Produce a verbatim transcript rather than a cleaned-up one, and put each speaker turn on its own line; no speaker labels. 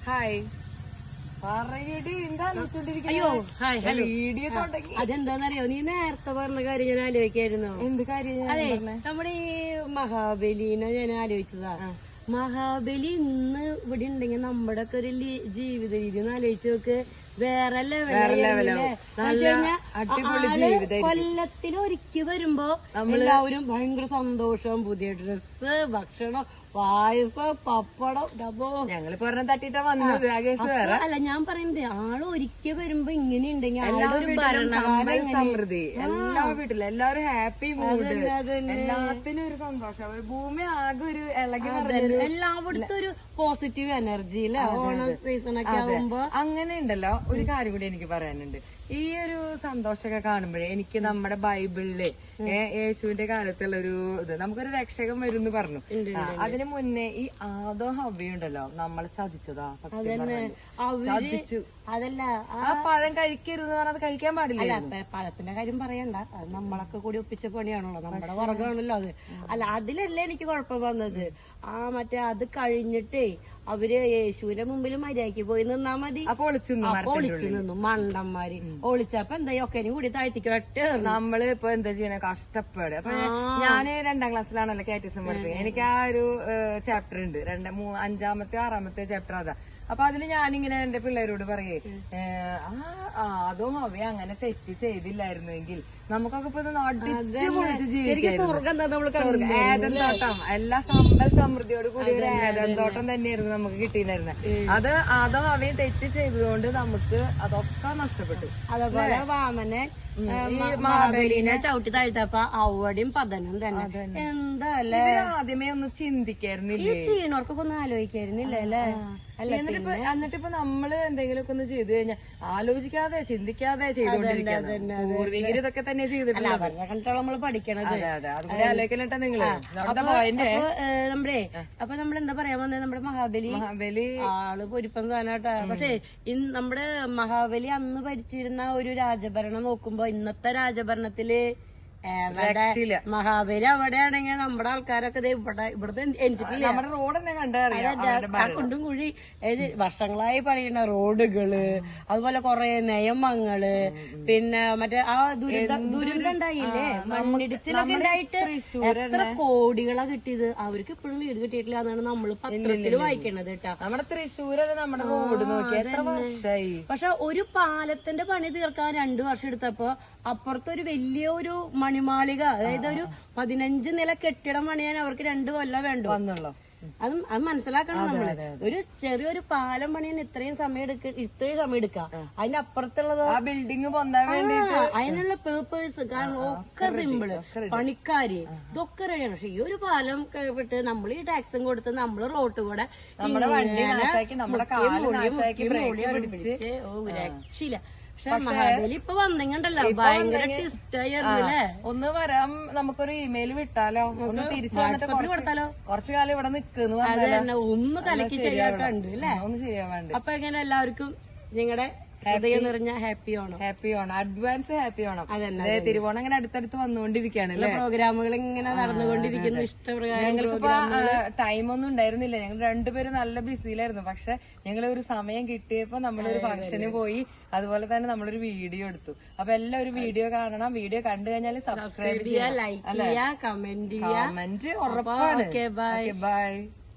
Hi പറയടി എന്താ
അയ്യോ ഹായ് ഹലോ
വീഡിയോ തുടങ്ങി.
അതെന്താന്നറിയോ, നീ നേരത്തെ പറഞ്ഞ കാര്യം ഞാൻ ആലോചിക്കായിരുന്നു.
എന്ത് കാര്യം?
അതെ, നമ്മുടെ ഈ മഹാബലിനെ ഞാൻ ആലോചിച്ചതാ. മഹാബലി ഇന്ന് ഇവിടെ ഉണ്ടെങ്കിൽ നമ്മുടെ ഒക്കെ ഒരു ജീവിത രീതി ഒന്ന് ആലോചിച്ച് നോക്ക്. വേറെ ലെവലല്ലേ. കൊല്ലത്തിൽ ഒരിക്കൽ വരുമ്പോ എല്ലാവരും ഭയങ്കര സന്തോഷം, പുതിയ ഡ്രസ്സ്, ഭക്ഷണം, പായസം, പപ്പടം, ഡബോ.
ഞങ്ങള് പറഞ്ഞ തട്ടിട്ടാ വന്നത്.
അല്ല, ഞാൻ പറയുന്നത് ആള് ഒരിക്കൽ വരുമ്പോ ഇങ്ങനെ ഉണ്ടെങ്കിൽ
സമൃദ്ധി എല്ലാ വീട്ടിലും എല്ലാവരും ഹാപ്പി മൂഡ്, എല്ലാത്തിനും ഒരു സന്തോഷം. ഭൂമി ആകെ ഒരു ഇളകി
എല്ലായിടത്തും ഒരു പോസിറ്റീവ് എനർജി അല്ലേ. ഓണം സീസൺ ഒക്കെ ആകുമ്പോ
അങ്ങനെ ഉണ്ടല്ലോ. ഒരു കാര്യം കൂടി എനിക്ക് പറയാനുണ്ട്. ഈ ഒരു സന്തോഷമൊക്കെ കാണുമ്പോഴേ എനിക്ക് നമ്മുടെ ബൈബിളില് യേശുവിന്റെ കാലത്തുള്ള ഒരു ഇത്, നമുക്കൊരു രക്ഷകൻ വരും എന്ന് പറഞ്ഞു. അതിന് മുന്നേ ഈ ആദോ ഹവ്വയുണ്ടല്ലോ നമ്മളെ ചതിച്ചതാ. ചതിച്ചു.
അതല്ല,
ആ പഴം കഴിക്കരുത് പറഞ്ഞത് കഴിക്കാൻ പാടില്ല.
പഴത്തിന്റെ കാര്യം പറയണ്ട, അത് നമ്മളൊക്കെ കൂടി ഒപ്പിച്ച പണിയാണല്ലോ, നമ്മുടെ വർഗമാണല്ലോ അത്. അല്ല, അതിലല്ലേ എനിക്ക് കുഴപ്പം വന്നത്. ആ മറ്റേ അത് കഴിഞ്ഞിട്ടേ അവര് യേശുവിന്റെ മുമ്പിൽ മര്യാദക്ക് പോയി നിന്നാ മതി.
അപ്പൊ ഒളിച്ചു
ഒളിച്ചു നിന്നു മണ്ടന്മാര്. ഒളിച്ചപ്പോ എന്താ ഒക്കെനും കൂടി താഴ്ത്തിക്കോട്ടെ.
നമ്മള് ഇപ്പൊ എന്താ ചെയ്യണ, കഷ്ടപ്പാട്. അപ്പൊ ഞാന് രണ്ടാം ക്ലാസ്സിലാണല്ലോ കാറ്റഗറിസം പഠിക്കുന്നത്. എനിക്ക് ആ ഒരു ചാപ്റ്റർ ഉണ്ട്, രണ്ട് മൂന്ന് അഞ്ചാമത്തെ ആറാമത്തെ ചാപ്റ്റർ അതാ. അപ്പൊ അതില് ഞാനിങ്ങനെ എന്റെ പിള്ളേരോട് പറയേ, ആ അതോ അവ അങ്ങനെ തെറ്റ് ചെയ്തില്ലായിരുന്നെങ്കിൽ നമുക്കൊക്കെ ഇപ്പൊ ഏതൻ തോട്ടം, എല്ലാ സമ്പൽ സമൃദ്ധിയോട് കൂടി ഒരു ഏതൻ തോട്ടം തന്നെയായിരുന്നു നമുക്ക് കിട്ടിയിട്ടുണ്ടായിരുന്നത്. അത് അതോ അവയും തെറ്റ് ചെയ്തതുകൊണ്ട് നമുക്ക് അതൊക്കെ നഷ്ടപ്പെട്ടു.
അതേപോലെ വാമനെ മഹാബലിനെ ചവിട്ടി താഴ്ത്തപ്പ അവിടെയും പതനം തന്നെ. എന്താ അല്ലേ,
ആദ്യമേ ഒന്ന് ചിന്തിക്കായിരുന്നില്ല,
ഈ ചീണോർക്കൊക്കെ ഒന്ന് ആലോചിക്കായിരുന്നില്ല അല്ലേ.
എന്നിട്ടിപ്പോ എന്നിട്ടിപ്പോ നമ്മള് എന്തെങ്കിലുമൊക്കെ ഒന്ന് ചെയ്തു കഴിഞ്ഞാൽ ആലോചിക്കാതെ ചിന്തിക്കാതെ ചെയ്തോണ്ടിരിക്കുന്നത്. പൂർവികർ ഇതൊക്കെ തന്നെ ചെയ്തിട്ടില്ല,
കണ്ടിട്ടാണ് നമ്മള് പഠിക്കണത്.
അതെ അതെ, അതുകൂടെ ആലോചിക്കലട്ടെ നിങ്ങള്.
നമ്മുടെ അപ്പൊ നമ്മളെന്താ പറയാൻ വന്നത്, നമ്മുടെ മഹാബലി
മഹാബലി
ആള് പൊരിപ്പം സാധനട്ടാ. പക്ഷെ നമ്മുടെ മഹാബലി അന്ന് ഭരിച്ചിരുന്ന ഒരു രാജഭരണം നോക്കുമ്പോ ഇന്നത്തെ രാജഭരണത്തില് മഹാബലി അവിടെയാണെങ്കിൽ നമ്മുടെ ആൾക്കാരൊക്കെ ഇവിടെ ഇവിടുത്തെ എൻജിറ്റില്ല.
നമ്മുടെ റോഡ് തന്നെ കണ്ടറിയാം,
കുണ്ടും കുഴി വർഷങ്ങളായി പണിയുന്ന റോഡുകള്, അതുപോലെ കൊറേ നിയമങ്ങള്, പിന്നെ മറ്റേ ആ ദുരിത ദുരന്തം ഉണ്ടായില്ലേ, മണ്ണിടിച്ചിലൊക്കെ ഉണ്ടായിട്ട് എത്ര കോടികളാ കിട്ടിയത്. അവർക്ക് ഇപ്പോഴും വീട് കിട്ടിയിട്ടില്ല എന്നാണ് നമ്മള് പത്രത്തില് വായിക്കണത് കേട്ടാ.
നമ്മുടെ തൃശ്ശൂരല്ലേ നമ്മുടെ റോഡ് നോക്കി എത്ര വർഷമായി.
പക്ഷെ ഒരു പാലത്തിന്റെ പണി തീർക്കാൻ രണ്ടു വർഷം എടുത്തപ്പോ അപ്പുറത്തൊരു വലിയ ഒരു മണിമാളിക, അതായത് ഒരു പതിനഞ്ച് നില കെട്ടിടം പണിയാൻ അവർക്ക് രണ്ടു കൊല്ലം വേണ്ടു വന്നുള്ളൂ. അത് അത് മനസ്സിലാക്കണം നമ്മള്. ഒരു ചെറിയൊരു പാലം പണിയാൻ ഇത്രയും സമയം എടുക്ക ഇത്രയും സമയം എടുക്കാം. അതിന്റെ അപ്പുറത്തുള്ളതോ
ബിൽഡിംഗ് പൊന്താൻ വേണ്ടിട്ട്
അതിനുള്ള പേപ്പേഴ്സ് കാരണം ഒക്കെ സിമ്പിള്, പണിക്കാര് ഇതൊക്കെ റെഡിയാണ്. പക്ഷെ ഈ ഒരു പാലം വിട്ട് നമ്മൾ ഈ ടാക്സും കൊടുത്ത് നമ്മള് റോട്ട് കൂടെ ഓ രക്ഷയില്ല. പക്ഷെ മഹാബലി ഇപ്പൊ വന്നിങ്ങണ്ടല്ലോ, ഭയങ്കര ടിസ്റ്റായിരുന്നല്ലേ.
ഒന്ന് വരാം, നമുക്കൊരു ഇമെയിൽ വിട്ടാലോ, ഒന്ന് തിരിച്ചു വന്നിട്ട് കൊടുത്താലോ, കുറച്ചു കാലം ഇവിടെ നിക്കുന്നു.
അതന്നെ, ഒന്ന് കലക്കി ശരിയാക്കാണ്ട് അല്ലേ,
ഒന്ന് ചെയ്യാൻ വേണ്ടി.
അപ്പൊ എങ്ങനെ എല്ലാവർക്കും നിങ്ങളുടെ ഹൃദയം നിറഞ്ഞ happy Onam.
Happy Onam, advance happy Onam. അതെ, തിരുവോണം ഇങ്ങനെ അടുത്തടുത്ത് വന്നുകൊണ്ടിരിക്കുകയാണ് അല്ലേ,
പ്രോഗ്രാമുകൾ ഇങ്ങനെ നടന്നുകൊണ്ടിരിക്കുന്നു ഇഷ്ടപ്രകാരം.
ഞങ്ങൾക്കിപ്പോ ടൈം ഒന്നും ഉണ്ടായിരുന്നില്ല, ഞങ്ങൾ രണ്ടുപേരും നല്ല ബിസിയിലായിരുന്നു. പക്ഷെ ഞങ്ങൾ ഒരു സമയം കിട്ടിയപ്പോ നമ്മളൊരു ഫംഗ്ഷന് പോയി, അതുപോലെ തന്നെ നമ്മളൊരു വീഡിയോ എടുത്തു. അപ്പൊ എല്ലാവരും വീഡിയോ കാണണം. വീഡിയോ കണ്ടു കഴിഞ്ഞാൽ സബ്സ്ക്രൈബ് ചെയ്യുക, ലൈക്ക് ചെയ്യുക, കമന്റ് ചെയ്യുക. കമന്റ് ഉറപ്പാണ്. ബൈ.